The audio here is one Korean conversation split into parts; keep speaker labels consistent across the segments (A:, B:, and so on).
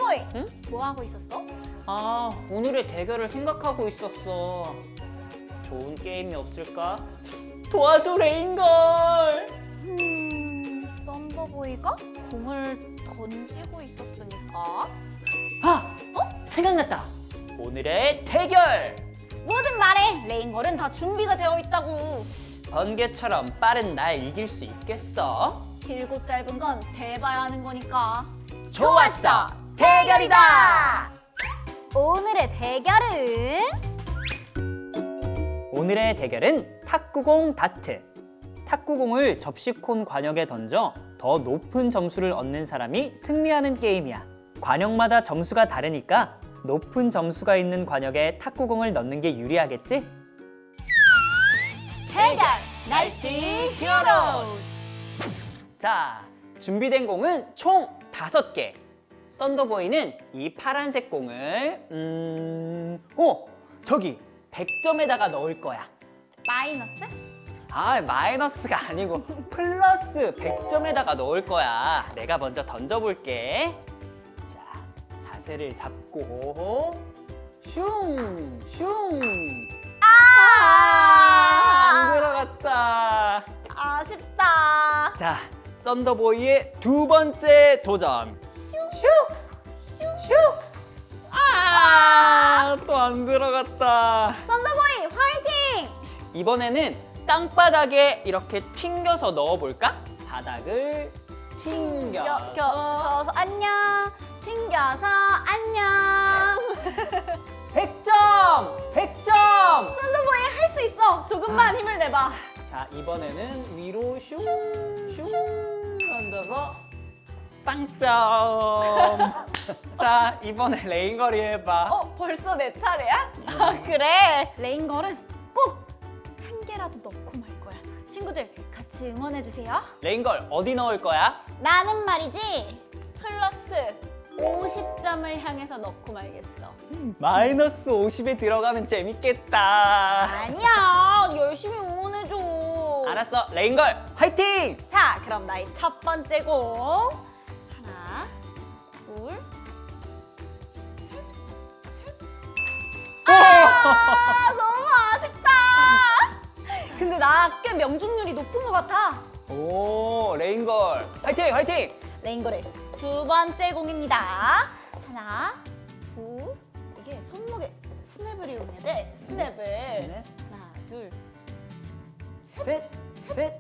A: 썬더보이!
B: 응?
A: 뭐 하고 있었어?
B: 아, 오늘의 대결을 생각하고 있었어. 좋은 게임이 없을까? 도와줘, 레인걸!
A: 썬더보이가 공을 던지고 있었으니까.
B: 아! 생각났다! 오늘의 대결!
A: 뭐든 말해! 레인걸은 다 준비가 되어 있다고.
B: 번개처럼 빠른 날 이길 수 있겠어?
A: 길고 짧은 건 대봐야 하는 거니까.
B: 좋았어! 대결이다!
A: 오늘의 대결은
B: 오늘의 대결은 탁구공 다트. 탁구공을 접시콘 관역에 던져 더 높은 점수를 얻는 사람이 승리하는 게임이야. 관역마다 점수가 다르니까 높은 점수가 있는 관역에 탁구공을 넣는 게 유리하겠지?
A: 대결 날씨 히어로즈.
B: 자, 준비된 공은 총 5개. 썬더보이는 이 파란색 공을 저기 100점에다가 넣을 거야.
A: 마이너스?
B: 아, 마이너스가 아니고 플러스 100점에다가 넣을 거야. 내가 먼저 던져볼게. 자, 자세를 잡고 슝! 슝! 안 들어갔다.
A: 아쉽다.
B: 자, 썬더보이의 두 번째 도전. 슉! 슉! 또 안 들어갔다.
A: 썬더보이 화이팅!
B: 이번에는 땅바닥에 이렇게 튕겨서 넣어볼까? 바닥을 튕겨서
A: 튕겨서 안녕. 튕겨서 안녕.
B: 100점! 100점!
A: 썬더보이 할 수 있어. 조금만 힘을 내봐.
B: 자, 이번에는 위로 슝! 슝! 던져서 빵점! 자, 이번에 레인거리 해봐.
A: 벌써 내 차례야? 그래. 레인걸은 꼭 한 개라도 넣고 말 거야. 친구들 같이 응원해 주세요.
B: 레인걸 어디 넣을 거야?
A: 나는 말이지 플러스 50점을 향해서 넣고 말겠어.
B: 마이너스 50에 들어가면 재밌겠다.
A: 아니야, 열심히 응원해줘.
B: 알았어, 레인걸 화이팅!
A: 자, 그럼 나의 첫 번째 공. 하나, 둘, 아, 너무 아쉽다. 근데 나 꽤 명중률이 높은 것 같아.
B: 오, 레인걸 화이팅! 화이팅!
A: 레인걸의 두 번째 공입니다. 하나, 둘, 이게 손목에 스냅을 이용해야 돼. 스냅을.
B: 스냅.
A: 하나, 둘.
B: 셋! 셋!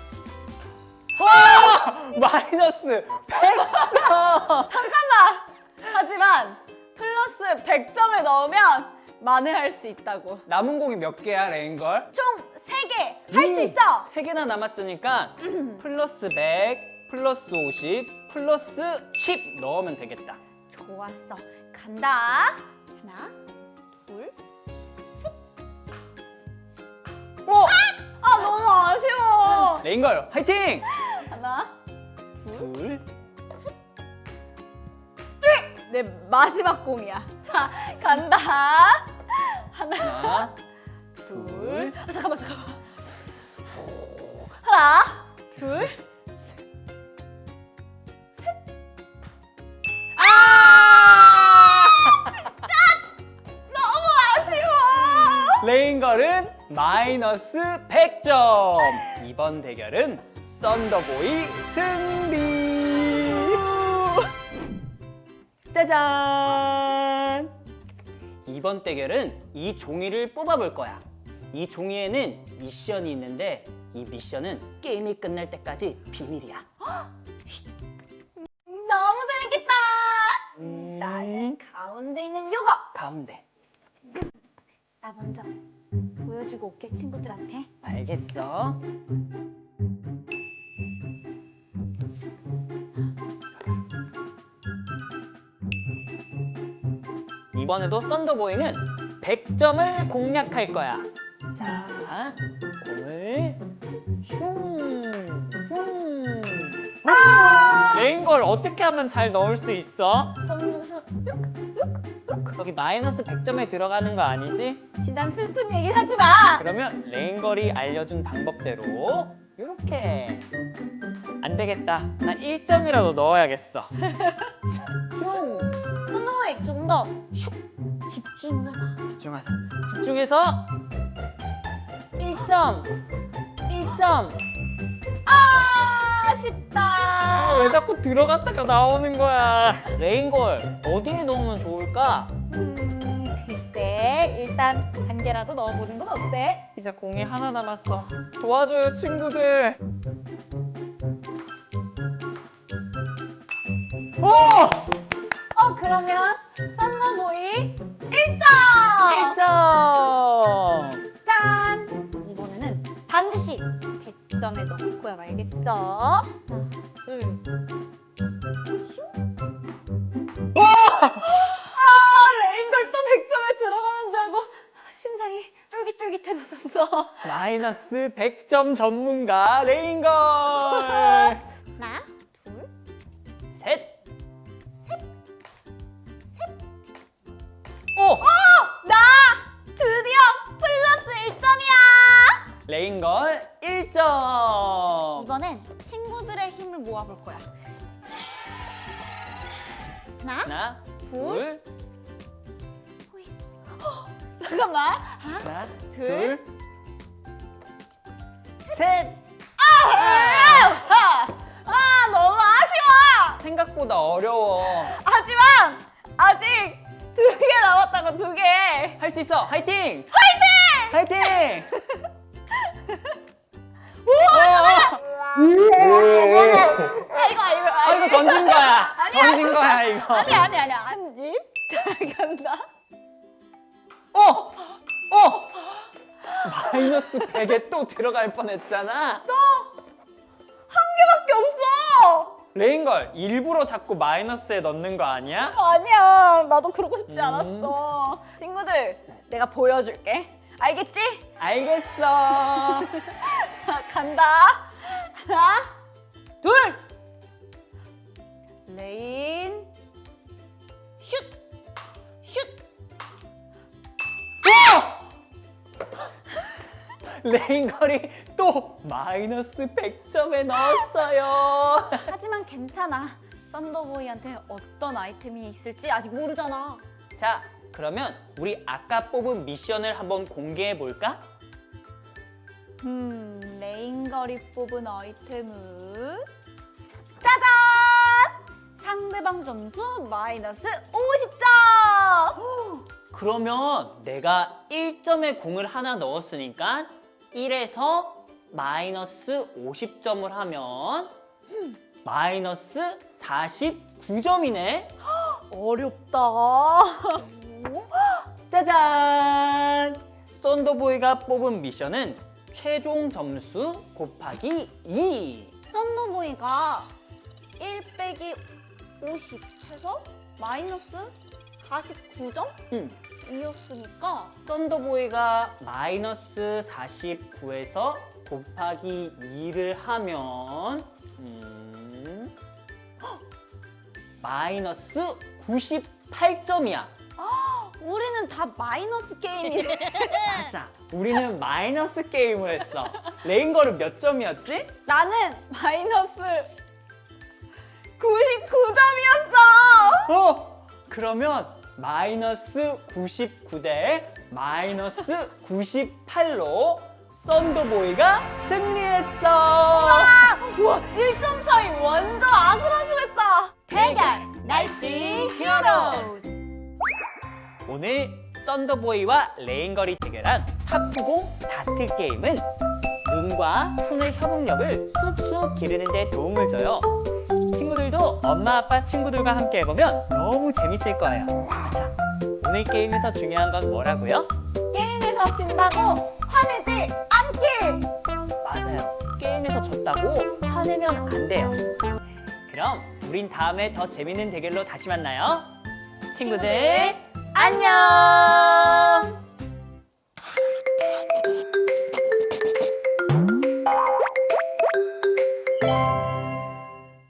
B: 와! 마이너스 100점!
A: 잠깐만! 하지만 플러스 100점을 넣으면 만회할 수 있다고.
B: 남은 공이 몇 개야, 레인걸?
A: 총 3개 할 수 있어!
B: 3개나 남았으니까 플러스 100, 플러스 50, 플러스 10 넣으면 되겠다.
A: 좋았어. 간다. 하나, 둘.
B: 오!
A: 아, 너무 아쉬워.
B: 레인걸 화이팅!
A: 하나, 둘.
B: 둘!
A: 내 마지막 공이야. 자, 간다. 하나,
B: 하나,
A: 둘. 아, 잠깐만. 하나, 둘. 너무 아쉬워.
B: 레인걸은 마이너스 100점! 이번 대결은 썬더보이 승리! 짜잔! 이번 대결은 이 종이를 뽑아볼 거야. 이 종이에는 미션이 있는데 이 미션은 게임이 끝날 때까지 비밀이야.
A: 너무 재밌겠다. 나는 가운데 있는 요거.
B: 가운데.
A: 나 먼저 보여주고 올게, 친구들한테.
B: 알겠어. 이번에도 썬더보이는 100점을 공략할 거야. 자, 공을 슝, 슝. 레인걸 어떻게 하면 잘 넣을 수 있어? 여기 마이너스 100점에 들어가는 거 아니지?
A: 지난 슬픈 얘기 하지 마.
B: 그러면 레인걸이 알려준 방법대로 이렇게 안 안 되겠다. 나 1점이라도 넣어야겠어.
A: 선호에 좀 더 집중을 해봐.
B: 집중하자. 집중해서 1점. 1점.
A: 아쉽다.
B: 왜 자꾸 들어갔다가 나오는 거야? 레인걸 어디에 넣으면 좋을까?
A: 글쎄, 일단 한 개라도 넣어보는 건 어때?
B: 이제 공이 하나 남았어. 도와줘요, 친구들. 오!
A: 그러면 썬더보이 1점!
B: 1점!
A: 짠! 이번에는 반드시 100점에 넣고야 말겠어. 하나, 둘.
B: 와!
A: 레인걸 또 100점에 들어가는 줄 알고 심장이 쫄깃쫄깃해졌었어.
B: 마이너스 100점 전문가 레인걸!
A: 하나, 둘,
B: 셋! 오!
A: 나 드디어 플러스 1점이야!
B: 레인걸 1점!
A: 이번엔 친구들의 힘을 모아볼 거야. 하나,
B: 하나,
A: 둘.
B: 둘,
A: 잠깐만.
B: 하나,
A: 둘.
B: 둘, 셋!
A: 너무 아쉬워!
B: 생각보다 어려워.
A: 하지만 아직 2개 남았다고 2개.
B: 할 수 있어. 화이팅! 화이팅! 화이팅!
A: 아
B: 이거 던진 거야.
A: 아니야.
B: 던진 거야, 이거.
A: 아니야. 한 집. 잘 간다.
B: 마이너스 100에 또 들어갈 뻔했잖아.
A: 한 개밖에 없어.
B: 레인걸 일부러 자꾸 마이너스에 넣는 거 아니야?
A: 아니야. 나도 그러고 싶지 않았어. 친구들, 내가 보여줄게. 알겠지?
B: 알겠어.
A: 자, 간다. 하나, 둘. 레인. 슛.
B: 레인걸이 또 마이너스 100점에 넣었어요.
A: 하지만 괜찮아. 썬더보이한테 어떤 아이템이 있을지 아직 모르잖아.
B: 자, 그러면 우리 아까 뽑은 미션을 한번 공개해 볼까?
A: 레인걸이 뽑은 아이템은 짜잔! 상대방 점수 마이너스 50점!
B: 그러면 내가 1점에 공을 하나 넣었으니까 1에서 마이너스 50점을 하면 마이너스 49점이네.
A: 어렵다.
B: 짜잔! 썬더보이가 뽑은 미션은 최종 점수 곱하기 2.
A: 썬더보이가 1 빼기 50 해서 마이너스 49점? 이었으니까
B: 썬더보이가 마이너스 49에서 곱하기 2를 하면 마이너스 98점이야.
A: 우리는 다 마이너스 게임이네.
B: 맞아. 우리는 마이너스 게임을 했어. 레인걸은 몇 점이었지?
A: 나는 마이너스 99점이었어.
B: 그러면 마이너스 99대 마이너스 98로 썬더보이가 승리했어.
A: 우와, 1점 차이 완전 아슬아슬했다. 대결 날씨 히어로즈.
B: 오늘 썬더보이와 레인걸이 대결한 탁구공 다트 게임은 눈과 손의 협응력을 쑥쑥 기르는 데 도움을 줘요. 친구들도 엄마 아빠 친구들과 함께 해보면 너무 재밌을 거예요. 자, 오늘 게임에서 중요한 건 뭐라고요?
A: 게임에서 진다고 화내지 않기.
B: 맞아요. 게임에서 졌다고 화내면 안 돼요. 그럼 우린 다음에 더 재밌는 대결로 다시 만나요. 친구들
A: 안녕.